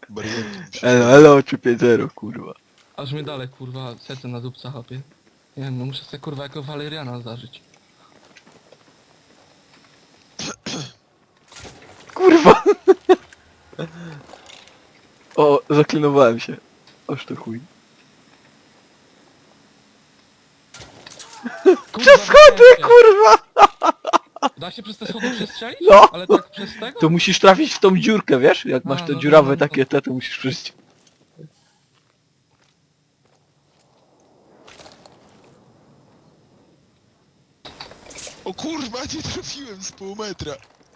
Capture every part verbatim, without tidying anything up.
Barierki. Elo, elo, trzy pięć zero, kurwa. Aż mnie dalej, kurwa, serce na dupca chapie. Nie wiem, no muszę sobie kurwa jako Waleriana zażyć. Kurwa! O, zaklinowałem się. Oż to chuj. Kurwa, Przez schody, da się. kurwa! Da się przez te schody przestrzelić? No. Ale tak przez tego? To musisz trafić w tą dziurkę, wiesz? Jak masz A, te no, dziurawe no, no, no. takie te, to musisz przejść. O kurwa, nie trafiłem z pół metra.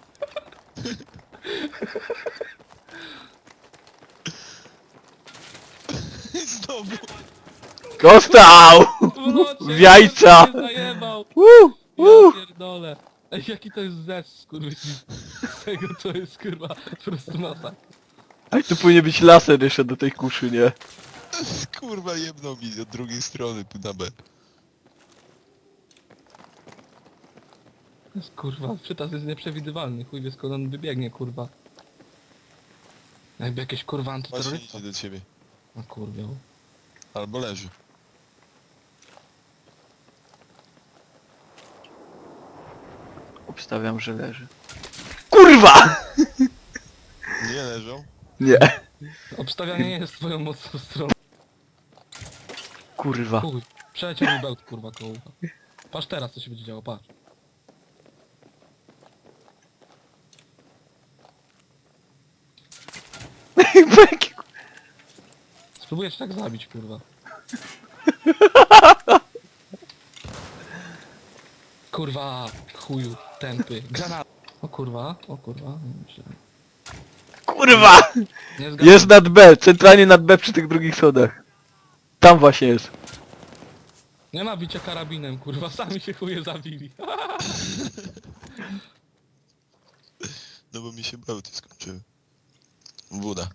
Znowu. Dostał! No, W jajca! cię zajebał! Uh, Ja uh. pierdolę. Ej, jaki to jest zes, skurwysyn. Z tego to jest kurwa, po prostu masa. A tu powinien być laser jeszcze do tej kuszy, nie? Kurwa, jebnął mi od drugiej strony tu na B. To jest, kurwa, przytas jest nieprzewidywalny, chuj wie skąd on wybiegnie, kurwa. Jakby jakieś kurwa Właśnie antyterrorysta. idzie do ciebie. No kurwa. Albo leży. Obstawiam, że leży. Kurwa! Nie leżą. Nie. Obstawianie nie jest twoją mocną stroną. Kurwa. Chuj, przeleciał mi bełt, kurwa, koło ucha. Patrz teraz, co się będzie działo, patrz. Spróbuję cię tak zabić, kurwa. Kurwa, chuju, tępy, granat. O kurwa, o kurwa, nie myślę. Kurwa! Nie zgadzam. Jest nad B, centralnie nad B przy tych drugich schodach. Tam właśnie jest. Nie ma bicia karabinem, kurwa, sami się chuje zabili. No bo mi się bełty skończyły. Woda.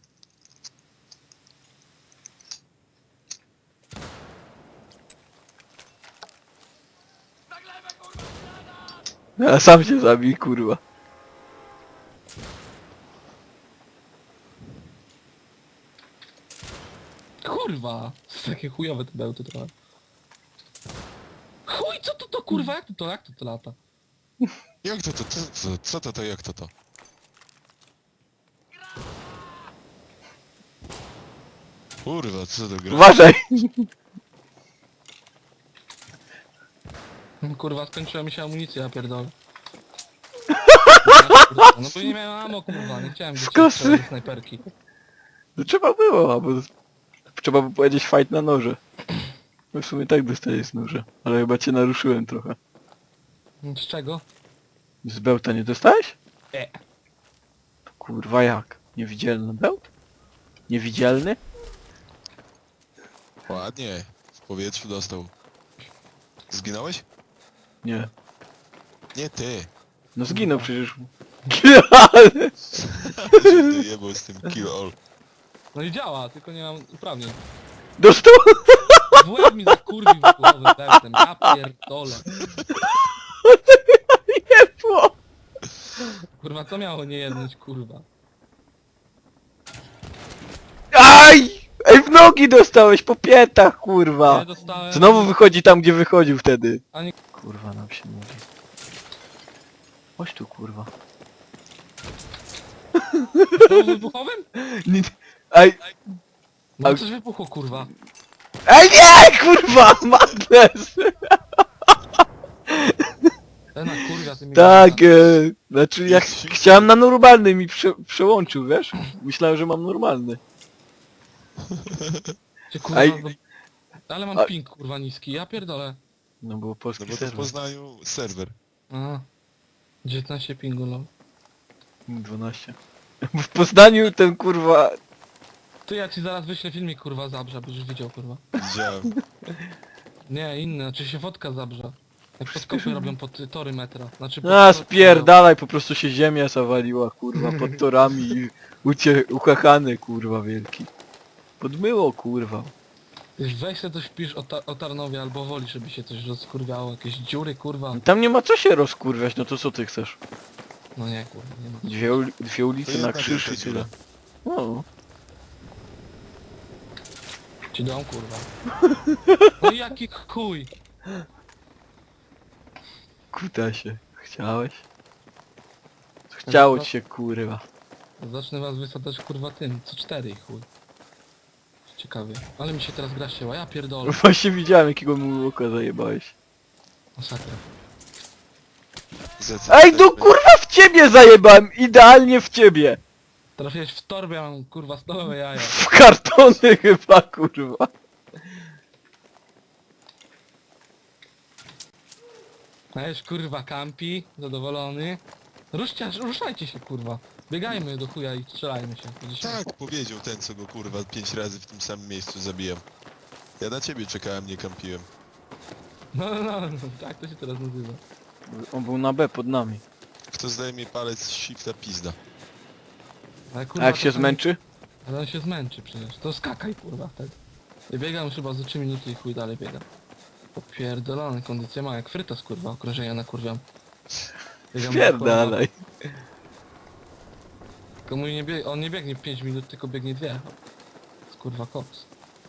A sam się zabij, kurwa. Kurwa, to takie chujowe te bełty trochę. Chuj, co to to kurwa, jak to to, jak to to lata? Jak to to, co to, co to to, jak to to? Kurwa, co to gra? Uważaj! Kurwa, skończyła mi się amunicja, ja pierdolę. No bo nie miałem ammo, kurwa, nie chciałem Skosy. gdzieś strzelać ze snajperki. No trzeba było, albo... Trzeba by powiedzieć fight na noże. No w sumie tak dostajesz z noże. Ale chyba cię naruszyłem trochę. Z czego? Z bełta nie dostałeś? E. Kurwa jak? Niewidzialny bełt? Niewidzialny? Ładnie. W powietrzu dostał. Zginąłeś? Nie. Nie ty. No zginął przecież. Ty jebał z tym kill all. No i działa, tylko nie mam uprawnień. Dostał! W łeb mi zakurwił wybuchowym bełtem, ja pierdolę. Jebło! Kurwa, co miało nie jednąć, kurwa? Aj! Ej, w nogi dostałeś, po piętach, kurwa! Nie dostałem... Znowu wychodzi tam, gdzie wychodził wtedy. Ani... Kurwa nam się mówi. Chodź tu, kurwa. To wybuchowym? Nic. Ej, No A- coś wybuchło, kurwa. ej nie, kurwa! Madness! Ten kurwa, ty mi... Tak, e, znaczy jak Jest sił. chciałem na normalny mi prze, przełączył, wiesz? Myślałem, że mam normalny. Cię, kurwa, Ej. do... Ale mam A- ping, kurwa, niski, ja pierdolę. No bo polski No bo to w serwer. Poznaniu serwer. Aha. dziewiętnaście pingu, lol. dwanaście. W Poznaniu ten kurwa... Ty, ja ci zaraz wyślę filmik, kurwa, zabrza, byś widział, kurwa. Widziałem. Nie, inny, znaczy się fotka zabrza. Jak podkopy robią pod y, tory metra. Znaczy pod A tory- spierdalaj, po prostu się ziemia zawaliła, kurwa, pod torami i ucie... uchachany, kurwa, wielki. Podmyło, kurwa. Wiesz, weź sobie coś wpisz o, ta o Tarnowie albo Woli, żeby się coś rozkurwiało, jakieś dziury, kurwa. Tam nie ma co się rozkurwiać, no to co ty chcesz? No nie, kurwa, nie ma. Dwie, uli- dwie ulice To na jedna krzyż wielka i tyle. dziura. No. Ci dam kurwa. No jaki chuj. Kutasie. Chciałeś? Chciało ci się kurwa. Zacznę was wysadzać kurwa tym, co cztery chuj. Ciekawie. Ale mi się teraz gra ścięła, ja pierdolę. Właśnie widziałem jakiego mu oka zajebałeś. Masakra. Za co Ej tak no będzie? kurwa w ciebie zajebałem! Idealnie w ciebie! Trafiłeś w torbę, mam kurwa stołowe jaja. W kartony chyba kurwa. A już kurwa kampi, zadowolony. Ruszcie, ruszajcie się kurwa. Biegajmy do chuja i strzelajmy się. Będzie się- Tak, powiedział ten, co go kurwa pięć razy w tym samym miejscu zabijam. Ja na ciebie czekałem, nie kampiłem. No, no, no, no, tak to się teraz nazywa. On był na B pod nami. Kto zdaje mi palec z shifta pizda. Ale A kurwa, jak to się tam- zmęczy? Ale on się zmęczy przecież. To skakaj kurwa wtedy. Ja biegam chyba za trzy minuty i chuj dalej biegam. Popierdolony, kondycję ma jak frytas kurwa, okrążenia nakurwiam. Biegam Pierdalaj. Tylko mój nie bieg... on nie biegnie pięć minut, tylko biegnie dwie. To kurwa koks.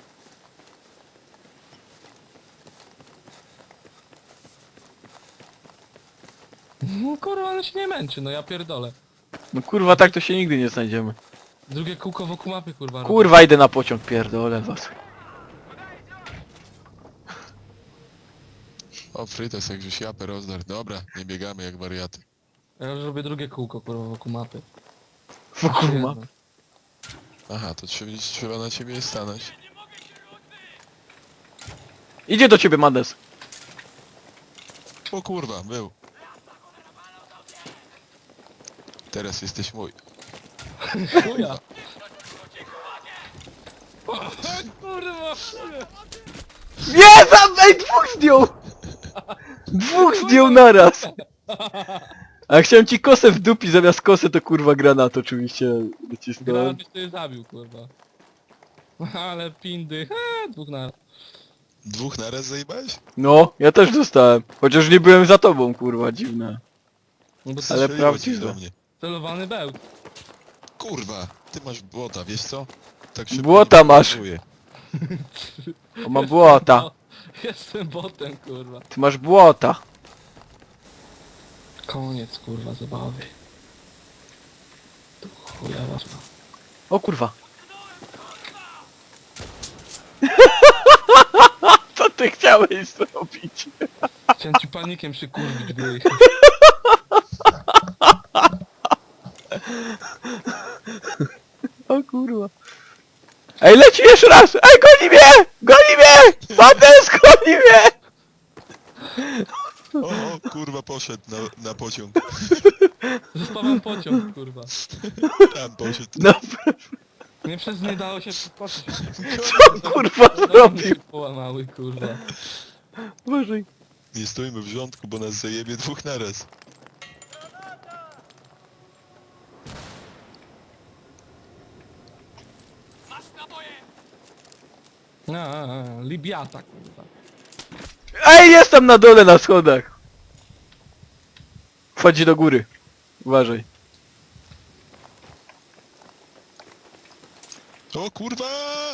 No kurwa, on się nie męczy, no ja pierdolę. No kurwa tak to się nigdy nie znajdziemy. Drugie kółko wokół mapy kurwa robię. Kurwa idę na pociąg, pierdolę was. O, Frytas, jak żeś japę rozdar. Dobra, nie biegamy jak wariaty. Ja już robię drugie kółko kurwa wokół mapy. Wokół Jedno. mapy. Aha, to trzeba, trzeba na ciebie stanąć. Idzie do ciebie Mades. O kurwa, był. Teraz jesteś mój. Chuja! Kurwa! Nie, tam, ej, dwóch zdjął! Dwóch zdjął naraz! A chciałem ci kosę w dupi, zamiast kosy to kurwa granat oczywiście docisnąłem. Granat byś sobie zabił kurwa. Ale pindy, ha, dwóch na... Dwóch naraz zajebałeś? No, ja też dostałem. Chociaż nie byłem za tobą, kurwa, dziwne. No bo Ale Ale... Strzeliło ci prawdziwe. do mnie. celowany bełt. Kurwa, ty masz błota, wiesz co? Tak szybko Błota nie masz. pokazuję. On ma błota. Bo... Jestem botem kurwa. Ty masz błota. Koniec kurwa zabawy. Tu chuja was ma. O kurwa. Co ty chciałeś zrobić? Chciałem ci panikiem przykurwić gry. O kurwa. Ej, leci jeszcze raz! Ej, goni mnie! Goni mnie! Mades, goni mnie! O, o, kurwa, poszedł na, na pociąg. Zostawiam pociąg kurwa. Tam poszedł. No, Nie przez nie dało się przeskoczyć. co kurwa zrobił? się połamały kurwa. Boże. Nie stoimy w rządku, bo nas zajebie dwóch naraz. A, a, a, Libiata kurwa. Ej, jestem na dole na schodach. Wchodzi do góry. Uważaj. O kurwa!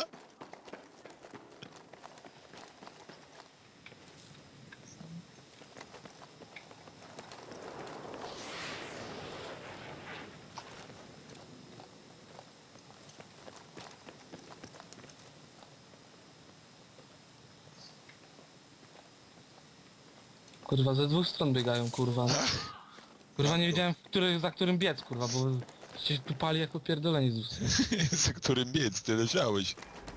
Kurwa, ze dwóch stron biegają, kurwa. Kurwa, nie wiedziałem, w który, za którym biec, kurwa, bo się tu pali jako pierdolenie z ust. Za którym biec, ty leżałeś.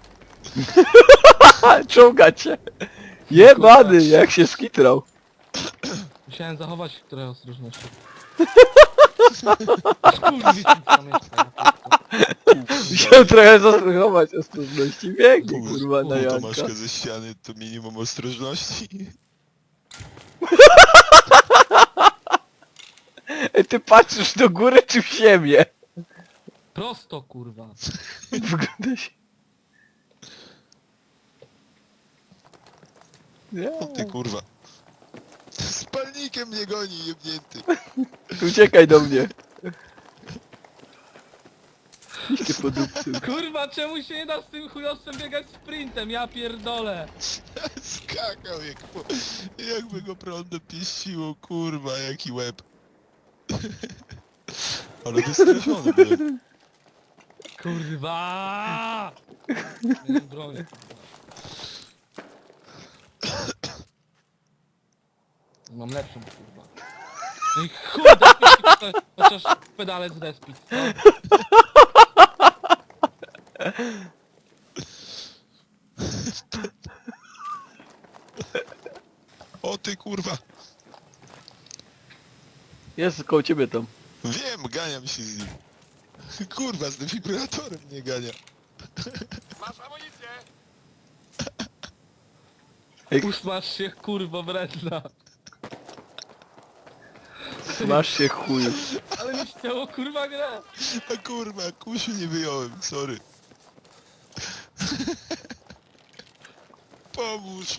Ha, czołga cię. Jebany, jak się skitrał. Musiałem zachować trochę ostrożności. Skurwi, tam mieszka, ja pierdolę. Musiałem trochę zastosować ostrożności. Biegnie, kurwa, na U, Janka. Tomaszka ze ściany to minimum ostrożności. Ej, ty patrzysz do góry czy w ziemię? Prosto, kurwa. Wygląda się... Nie. O ty kurwa. Z palnikiem mnie goni, jebnięty. Uciekaj do mnie. Iście po dupcu. Kurwa, czemu się nie da z tym chujowcem biegać sprintem? Ja pierdolę. Skakał jak po... jakby go prądem pieściło, kurwa, jaki łeb. Ale wystraszony byłem. Kurwa! Miałem broń, kurwa. Mam lepszą, kurwa. No i chuj, daj mi chociaż pedale zrespić, co? O ty kurwa. Jest koło ciebie tam. Wiem, ganiam się z nim. Kurwa, z defibrylatorem mnie gania. Ej, Usmaż się, kurwo, wredna. masz się chuju. Ale mi chciało, kurwa, grę. A kurwa, kusiu nie wyjąłem, sorry. Pomóż.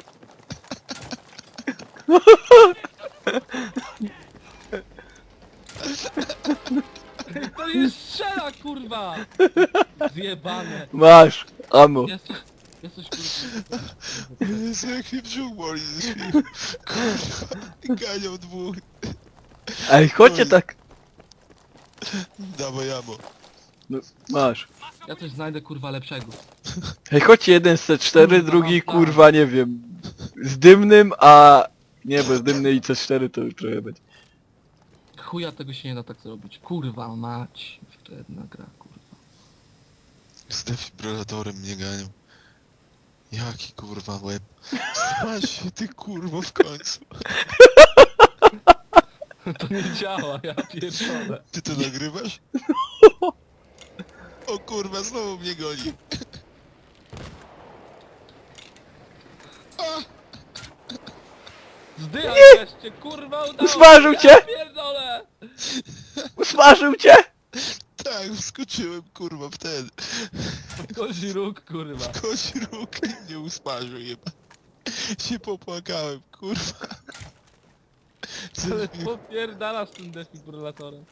To nie strzela, kurwa! Zjebane. Masz, amo. Jesteś, jesteś, kurwa. Jezu, jak mnie brzuch boli ze śmiechu. Kurwa, ganiał dwóch. Ej, chodźcie tak. Dawaj jamo. No, masz. Ja coś znajdę, kurwa, lepszego. Ej, chodźcie jeden z C cztery, Kurwa, drugi mam plan. kurwa, nie wiem. Z dymnym, a... Nie, bez dymny i C cztery to już trochę będzie. Chuja tego się nie da tak zrobić. Kurwa mać. To jedna gra, kurwa. Z defibrylatorem mnie ganiał. Jaki kurwa łeb. Smaż się ty kurwo w końcu. To nie działa, ja pierdolę. Ty to nagrywasz? O kurwa, znowu mnie goni. Zdychaj wreszcie, kurwa, udało Usmażył się, cię? Ja pierdolę. Usmażył cię? Tak, wskoczyłem kurwa w ten. Kozi róg, kurwa. Kozi róg i mnie usmażył jeba. Się popłakałem, kurwa. Ale popierdala z tym defibrylatorem.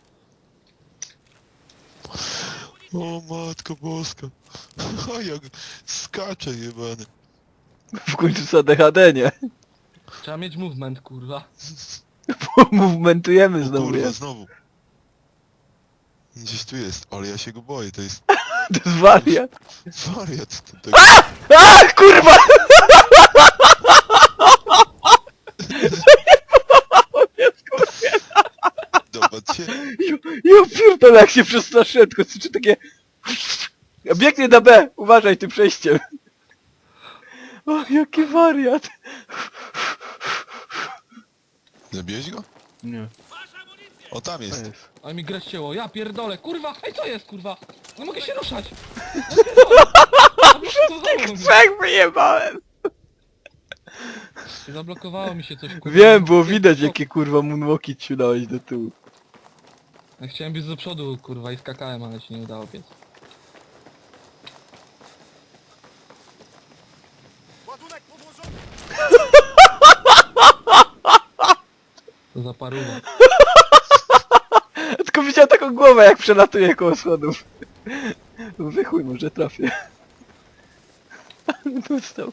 O matko boska. O jak skacze jebany. W końcu za D H D, nie? Trzeba mieć movement, kurwa. Movementujemy O znowu, kurwa, jest. znowu. Gdzieś tu jest, ale ja się go boję, to jest To jest wariat. wariat. To tak... A, kurwa! Dopadł się. Ja pierdolę, jak się przestraszyłem, tylko słyszę takie... Ja biegnie na B, uważaj tym przejściem. O, jaki wariat. Zabiłeś go? Nie, O, tam to jest. jest. A mi grę ścięło, ja pierdolę, kurwa! Ej, co jest, kurwa? Nie mogę się ruszać! Zablokowało mi, Trzech wyjebałem! zablokowało mi się coś, kurwa. Wiem, było widać, jakie kurwa moonwalki ci dałeś do tyłu. Ja chciałem być do przodu, kurwa, i skakałem, ale się nie udało biec. Ładunek podłożony! To za paruwa. Tylko widziałem taką głowę, jak przelatuje koło schodów. Wychuj, może trafię. Dostał.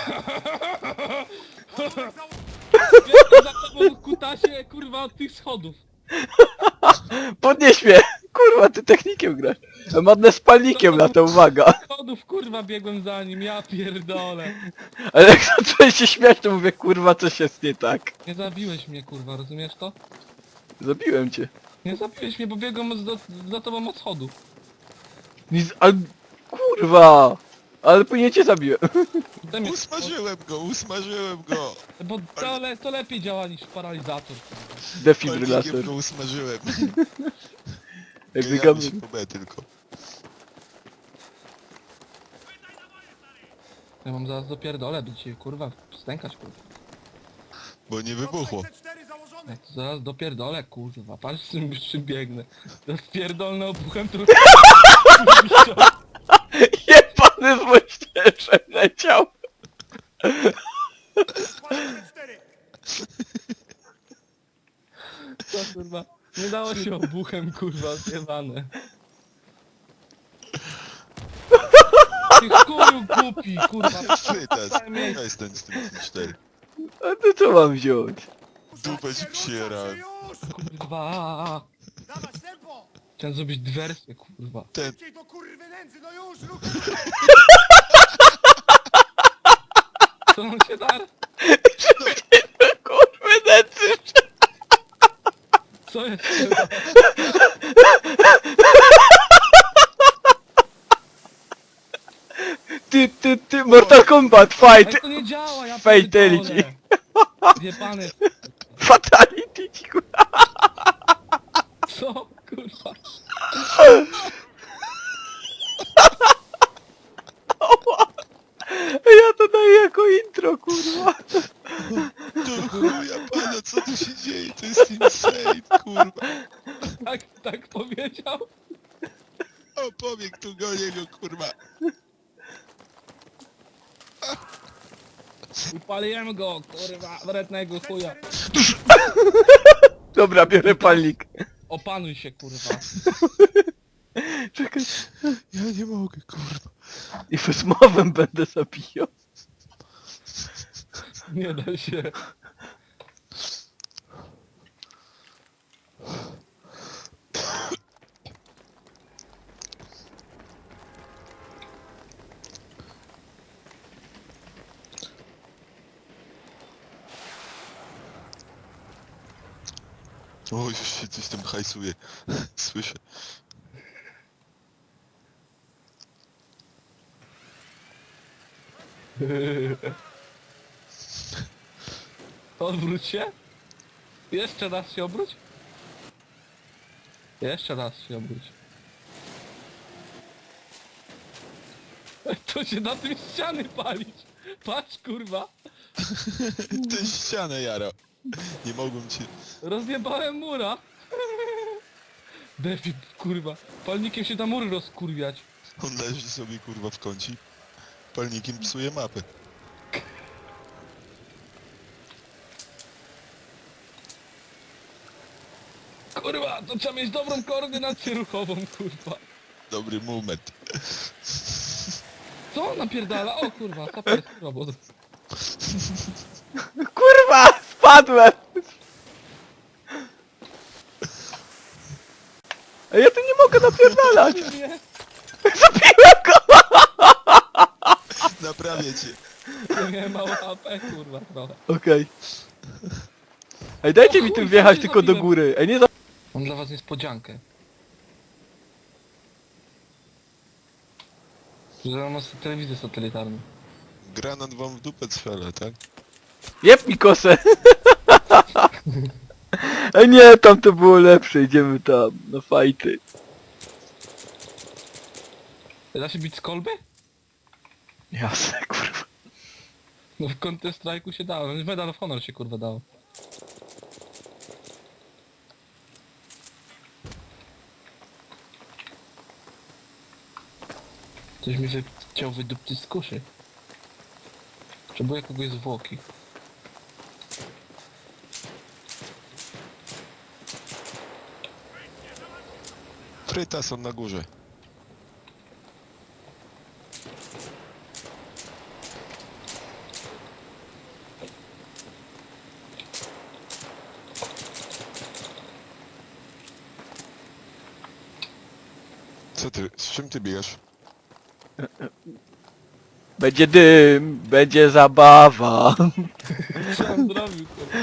Biegłem za tobą, kutasie, kurwa, od tych schodów. Podnieś mnie! Kurwa, ty technikiem grasz. A Madne z palnikiem lata, uwaga. Schodów, kurwa, biegłem za nim, ja pierdolę. Ale jak zacząłeś się śmiać, to mówię, kurwa, coś jest nie tak. Nie zabiłeś mnie, kurwa, rozumiesz to? Zabiłem cię. Nie zabiłeś mnie, bo biegłem za, za tobą od schodów. Nic, ale... Kurwa! Ale później cię zabiłem. Daj mi- Usmażyłem go, usmażyłem go. Bo to, le, to lepiej działa niż paralizator. kurwa. Defibrylator. Palnikiem go usmażyłem. Jak Ganiamy biegamy... się po B tylko. Ja mam zaraz dopierdolę, by dzisiaj, kurwa, stękać, kurwa. Bo nie wybuchło. C cztery założony! Ja to zaraz dopierdolę, kurwa, patrz z czym, z czym biegnę. Rozpierdolny obuchem, tu... Jebany z moździerzem leciał. Składam C cztery! Co, kurwa? Nie dało się obuchem, kurwa, zjebane. głupi, kurwa. Frytas, Daj mi- przestań z tym cztery. A to co mam wziąć? Dupę ci przyjera. Już! Kurwa. Dawać tempo! Chciałem zrobić dywersję, kurwa. Ten, Szybciej do kurwy nędzy, no już, ruch! Co on się dar? Kurwy necy! Co jest, kurwa? Ty, ty, ty, Mortal Kombat, fight! Ale to nie działa, ja Fatality. pierdolę. Jebany. Fatality, ci kurwa! Co? Kurwa. Ja to daję jako intro, kurwa! do chuja pana, co tu się dzieje? To jest insane, kurwa. Tak, tak powiedział. O, pobieg tu gonię go, kurwa. Upaliłem go, kurwa, wrednego chuja. Dobra, biorę palnik. Opanuj się, kurwa. Czekaj. Ja nie mogę, kurwa. I wysmowem będę zabijał. Nie da się. O, już się coś tam hajsuje. Słyszę. Odwróć się. Jeszcze raz się obróć. Jeszcze raz się obróć. To się na tym ściany palić. Patrz, kurwa. Tę ścianę jara. Nie mogłem cię... Rozjebałem mura. Defi, kurwa. Palnikiem się da mury rozkurwiać. On leży sobie, kurwa, w kącie. Palnikiem psuje mapę. Kurwa, to trzeba mieć dobrą koordynację ruchową, kurwa. Dobry moment. Co on napierdala? O kurwa, saper jest robot. Kurwa! Spadłem! A ja tu nie mogę napierdalać! Nie, Zabiłem go! Naprawię cię. ja miałem mało A P, kurwa, trochę. Okej. Ej, dajcie O mi chuj, tu wjechać co tylko do zrobiłem? góry. Ej, nie za... Mam dla was niespodziankę. Że mam telewizję satelitarną. Granat wam w dupę strzela, tak? Jeb mi kosę! Ej, nie, tam to było lepsze. Idziemy tam, na fajty. Da się bić z kolby? Jasne, kurwa. No w Counter Strike'u się dało, w Medal of Honor się kurwa dało. Coś mi się chciał wydupcić z kuszy. Potrzebuję kogoś zwłoki. Fryta są na górze. Co ty, z czym ty biegasz? Będzie dym, będzie zabawa. Co on zrobił kurwa?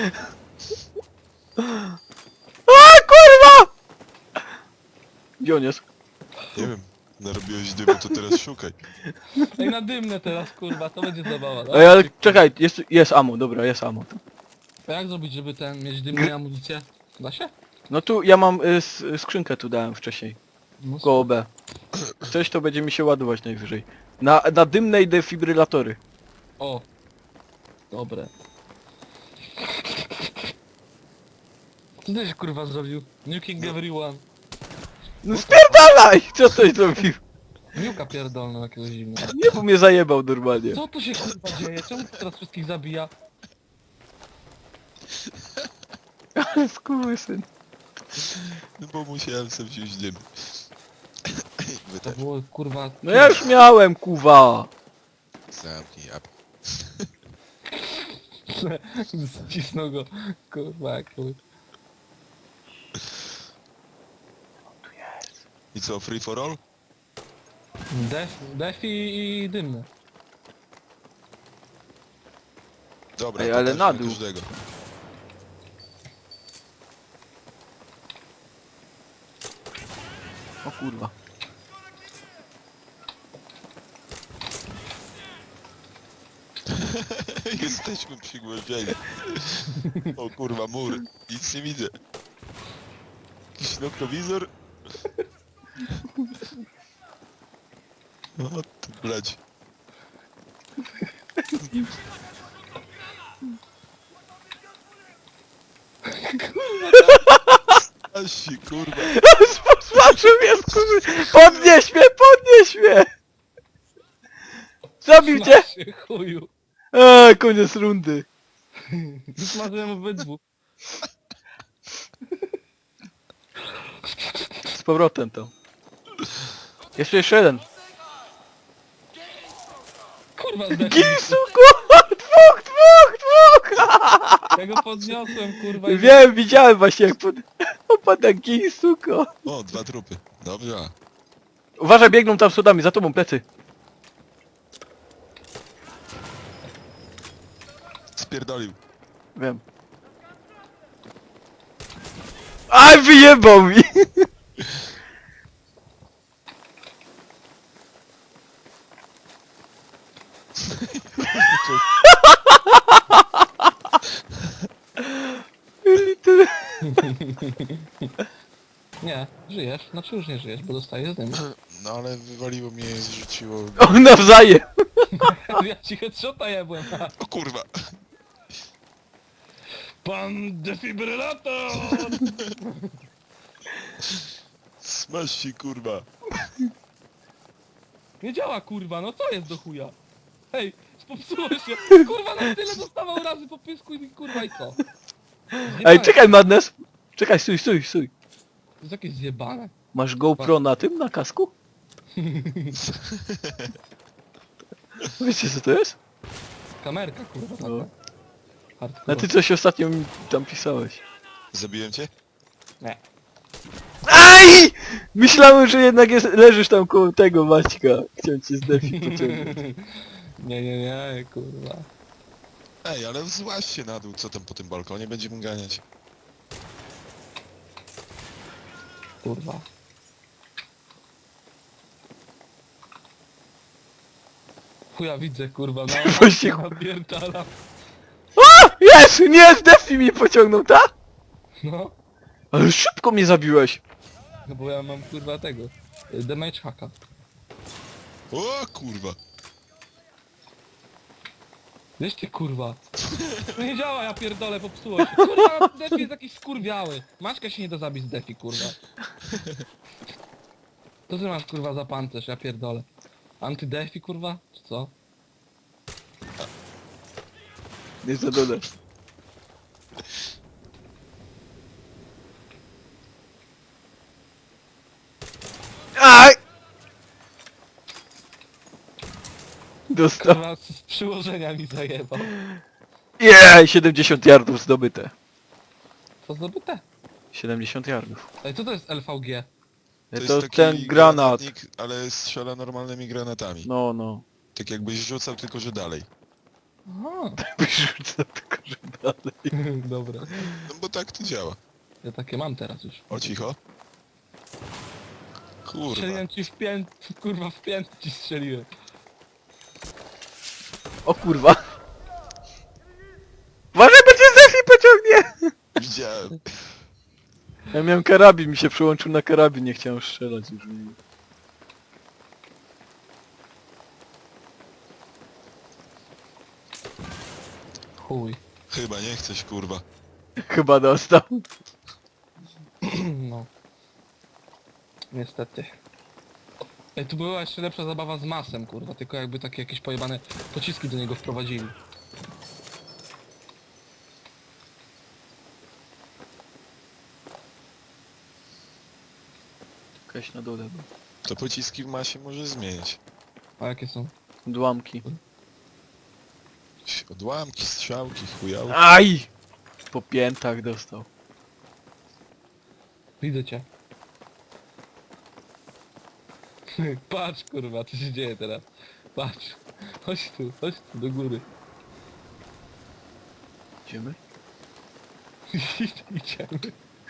A, kurwa! Gdzie on jest? Nie wiem, narobiłeś dymu, to teraz szukaj. Ej na dymne teraz kurwa, to będzie zabawa. tak? Ej, ale czekaj, jest, jest ammo, dobra, jest ammo. A jak zrobić, żeby ten, mieć dymne amunicję? Da się? No tu, ja mam y, s, skrzynkę tu dałem wcześniej. No, Koło B. Coś to będzie mi się ładować najwyżej. Na, na dymne i defibrylatory. O! Dobre. Co ty się kurwa zrobił? Nuking everyone. No spierdalaj! Co ktoś zrobił? Niuka pierdolną jakiegoś zimnego. Nie, bo mnie zajebał normalnie. Co tu się kurwa dzieje? Czemu to teraz wszystkich zabija? Ale skurwysyn. No bo musiałem sobie wziąć dym. Wy To też. było kurwa... No ja już miałem, kuwa. Zamknij jap. Zcisnął go, kurwa, jak chuj. I co, free for all? Def, defi i dymny. Dobra, Ej, to ale też na dla dół. każdego. O kurwa. Jesteśmy przygłowieni. O kurwa, mur. Nic nie widzę. Jakiś noktowizor? O ty blać. Asi, kurwa. Zobaczył mnie, kurwa! Podnieś mnie, podnieś mnie! Zabił cię! Smaż się, chuju. Eee, koniec rundy. Smażyłem obydwu. Z powrotem to. Jeszcze jeszcze jeden. Kurwa, zdechł. Gisuko! Dwóch, dwóch, dwóch! Ja go podniosłem, kurwa. i- Wiem, widziałem właśnie jak pod... opada Gisuko. O, dwa trupy. Dobrze. Uważaj, biegną tam schodami, za tobą plecy. Spierdolił. Wiem. Aj, wyjebał mi! Nie, żyjesz. Znaczy już nie żyjesz, bo dostajesz dym. No ale wywaliło mnie, zrzuciło... O, nawzajem! Ja ci headshota jebłem. O kurwa. Pan defibrylator! Smaż się, kurwa. Nie działa, kurwa, no co jest do chuja? Hej, popsuło się. Kurwa, na tyle dostawał razy po pysku i kurwa i co? Zjebane. Ej, czekaj, Madness! Czekaj, stój, stój, stój. To jest jakieś zjebane. Masz GoPro na tym, na kasku? Wiecie co to jest? Kamerka, kurwa, taka. No. A Hardcore. ty coś ostatnio mi tam pisałeś. Zabiłem cię? Nie. Aj! Myślałem, że jednak jest, leżysz tam koło tego Maćka. Chciałem cię z defi pociągnąć. Nie, nie, nie, kurwa. Ej, ale złaź się na dół, co tam po tym balkonie będziemy ganiać? Kurwa. Chuja widzę, kurwa, na Właśnie- napierdala. A! Jest! Nie! Z defi mi pociągnął, tak? No. Ale szybko mnie zabiłeś. No bo ja mam kurwa tego. y, Damage hacka. O kurwa. Wiesz ty kurwa. To nie działa, ja pierdolę, popsuło się. Kurwa, defi jest jakiś skurwiały. Maćka się nie da zabić z defi, kurwa. Co ty masz kurwa za pancerz, ja pierdolę. Antydefi kurwa? Czy co? Nie zadole. Aj! Dostał. Kurwa z z przyłożenia mi zajebał. Jej! siedemdziesiąt yardów zdobyte. Co zdobyte? siedemdziesiąt yardów. Ej, co to jest L V G? To, To, jest taki ten granat. granatnik, ale strzela normalnymi granatami. No, no. Tak jakbyś rzucał, tylko że dalej. Aha. Wyrzucę tylko, że dalej. Dobra. No bo tak to działa. Ja takie mam teraz już. O cicho. Kurwa. Strzeliłem ci w pięt, kurwa w pięt ci strzeliłem. O kurwa. Uważaj, bo cię Zefi pociągnie! Widziałem. Ja miałem karabin, mi się przyłączył na karabin, nie chciałem strzelać już. Nie. Chuj. Chyba nie chcesz, kurwa. Chyba dostał. No. Niestety. Ej, tu była jeszcze lepsza zabawa z masem, kurwa, tylko jakby takie jakieś pojebane pociski do niego wprowadzili. Jakaś na dole. była. To pociski w masie może zmienić. A jakie są? Odłamki. Odłamki, strzałki, chujałki. Aj! Po piętach dostał. Widzę cię. Patrz kurwa, co się dzieje teraz. Patrz. Chodź tu, chodź tu, do góry. Idziemy? Idziemy.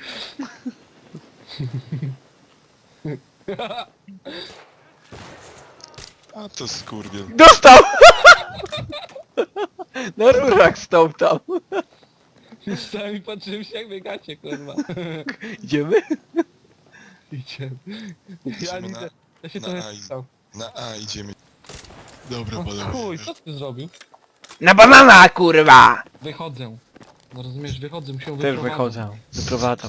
A to skurwiel. Dostał! Na rurach stał tam. Stałem i patrzyłem się jak biegacie kurwa. Idziemy? Idziemy. Ja Idziemy nie na- ja się na trochę A i- stał. Na A idziemy. Dobra, O panowie. chuj, co ty zrobił? Na banana, kurwa! Wychodzę. No rozumiesz, wychodzę, musiał Też wychodzę. Wyprowadzam.